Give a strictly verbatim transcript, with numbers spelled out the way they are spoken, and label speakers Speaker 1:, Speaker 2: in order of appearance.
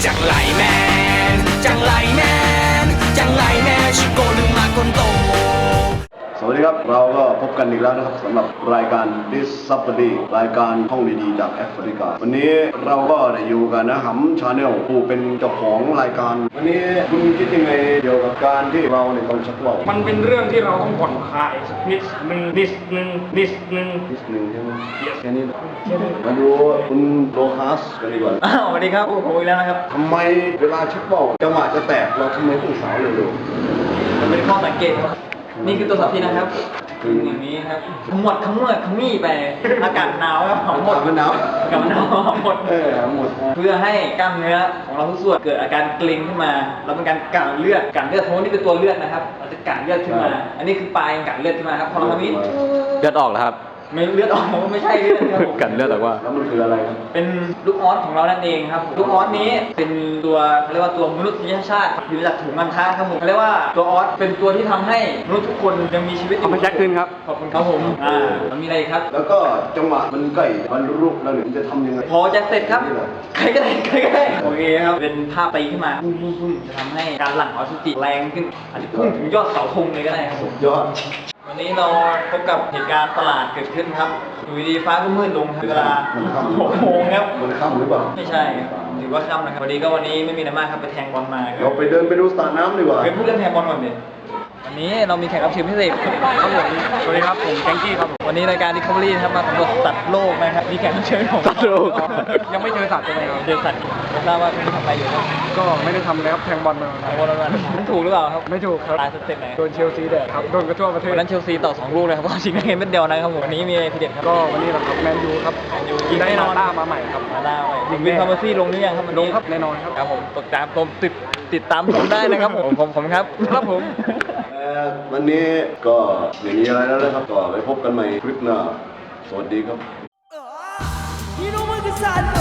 Speaker 1: จังไรแมนจังไรแมนจังไรแมนชิโกลืมมาคนโต
Speaker 2: สวัสดีครับเราก็พบกันอีกแล้วนะครับสำหรับรายการ Discovery รายการท่องดีๆจากแอฟริกาวันนี้เราก็ได้อยู่กันนะฮัมชาแนลผู้เป็นเจ้าของรายการวันนี้คุณคิดยังไงเกี่ยวกับการที่เราในต้องชักว่าว
Speaker 3: มันเป็นเรื่องที่เราต้องผ่อนคลายสักนิดนึงนิดนึงนิดนึง
Speaker 2: นิดนึงใช่ไหมแค่นี้มาดูคุณโลฮัสกันดีกว่า
Speaker 4: อ้าวสวัสดีครับผมอีกแล้วนะครับ
Speaker 2: ทำไมเวลาชักว่าวจังหวะจะแตกเราทำไมต้องสาวเร็ว
Speaker 4: มันเป็นข้อสังเกตครับนี่คือตัวสับที่นะครับคืออย่างนี้ครับขมวดขมวดขมี่ไปอากาศหนาวครับหอมหมด
Speaker 2: ๆมันหนาว
Speaker 4: อากาศหนาวหอมหมด
Speaker 2: เออหมด
Speaker 4: เพื่อให้กล้ามเนื้อของเราทุกส่วนเกิดอาการเกร็งขึ้นมาแล้วเป็นการกลั่นเลือดกลั่นเลือดเพราะว่านี่เป็นตัวเลือดนะครับเราจะกลั่นเลือดขึ้นมาอันนี้คือปลายกลั่นเลือดขึ้นมาครับพอเราทำนี้
Speaker 5: เลือดออกแล้วครับ
Speaker 4: ไม่เลือดออกไม่ใช่เลือดครับผม
Speaker 5: กันเลือดออกว่า
Speaker 2: แล้วมันคืออะไรครับ
Speaker 4: เป็นลูกออสของเรานั่นเองครับลูกออสนี้เป็นตัวเขาเรียกว่าตัวมนุษยชาติอยู่จากถุงมันท้าครับผมเขาเรียกว่าตัวออสเป็นตัวที่ทำให้มนุษย์ทุกคนยังมีชีวิตอยู่
Speaker 5: เอามาแจ็คคืนครับ
Speaker 4: ขอบคุณครับผมอ่ามันมีอะไรอีกครับ
Speaker 2: แล้วก็จังหวะมันใกล้บรรลุแล้วเนี่ยมันจะทำยังไง
Speaker 4: พอจะเสร็จครับใครก็ได้ใครก็ได้โอเคครับเป็นภาพตีขึ้นมาพุ่งพุ่งพุ่งจะทำให้การหลั่งออกซิเจนแรงขึ้นอาจจะพุ่งถึงยอดเสาธงเลยก็ได้ครับผม
Speaker 2: ยอด
Speaker 4: วันนี้เราพบกับเหตุการณ์ประหลาดเกิดขึ้นครับอยู่ดีๆฟ้าก็มืดลงครับเวลาหกโมงครับ
Speaker 2: มันค่ำหรือเปล่า
Speaker 4: ไม่ใช่ถือว่าค่ำนะครับวันนี้ก็วันนี้ไม่มีอะไรมากครับไปแทงบอลมาครั
Speaker 2: เรา
Speaker 4: บ
Speaker 2: ไปเดินไปดูสระน้ำดีกว่า
Speaker 4: ไปพูดเรื่องแทงบอลก่อนดิวันนี้เรามีแขกรับเชิญพิเศษครับผมสวัสดีครับผมแกงกี้ครับวันนี้รายการ Discovery นะครับมาสำรวจสัตว์โลกนะครับมีแขกรับเชิญของ
Speaker 5: สัตว์โลก
Speaker 3: ยังไม่เจอสัตว์เลยครับ
Speaker 4: เจอสัตว์ไม่ทราบว่าคุณทำอะไรอยู่ครับ
Speaker 3: ก็ไม่ได้ทำอะไรครับแทงบอลมา
Speaker 4: แทงบอลวันมันถูกหรือเปล่าครับ
Speaker 3: ไม่ถูกครับ
Speaker 4: ตายสเต็ปไหน
Speaker 3: โดนเชลซีแดดครับโดนกระทั่วประเทศ
Speaker 4: วันนั้นเชลซีต่อสองลูกเลยครับเพราะชิงได้เงินเม็ดเดียวนะครับผมวันนี้มีอะไรทีเด็ดครับ
Speaker 3: ก็วันนี้เราครับแมนยูครับ
Speaker 4: แมนยู
Speaker 3: ยิงได้
Speaker 4: แน่น
Speaker 3: นา
Speaker 4: อน
Speaker 3: ต้ามาใหม่ครับ
Speaker 4: มาได้ไปถึงวินคาร์เมอร์ซี่ลงหรือยังครับวัน
Speaker 3: ล
Speaker 4: นี้
Speaker 3: งครับแน่นอนครับ
Speaker 4: ครับผมติดตามผมติดติดตามผมได้นะครับผมผมผมครับครับผม
Speaker 2: เอ่อวันนี้ก็ไม่มีอะไรแล้วนะครับก็ไปพบกันใหม่คลิปหน้าสวัสดีครับ
Speaker 1: You know what this I know